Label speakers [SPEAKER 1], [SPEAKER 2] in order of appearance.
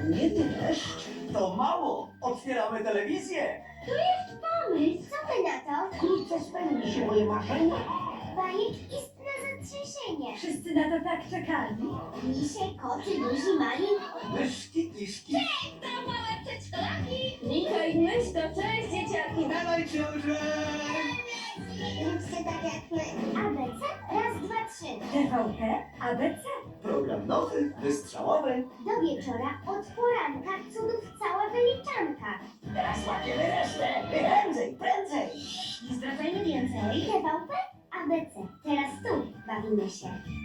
[SPEAKER 1] nie deszcz. To mało. Otwieramy telewizję.
[SPEAKER 2] Pomysł, co ty na to?
[SPEAKER 1] Wkrótce spełni się moje marzenie.
[SPEAKER 2] Bajek istne zatrzęsienie.
[SPEAKER 3] Wszyscy na to tak czekali.
[SPEAKER 2] Misie, koty, duzi, mali.
[SPEAKER 1] Myszki, kiszki.
[SPEAKER 2] To małe przedszkolaki.
[SPEAKER 3] Nika i myśl to cześć dzieciaki.
[SPEAKER 1] Dawaj, książę.
[SPEAKER 2] Róbcie tak jak my. ABC, raz, dwa, trzy.
[SPEAKER 3] TVP, ABC.
[SPEAKER 1] Program nowy, wystrzałowy.
[SPEAKER 2] Do wieczora, od poranka, cudów cała wyliczanka.
[SPEAKER 1] Teraz łapiemy resztę. Prędzej, prędzej.
[SPEAKER 2] Nie zdradzajmy więcej. TVP, ABC. Teraz tu bawimy się.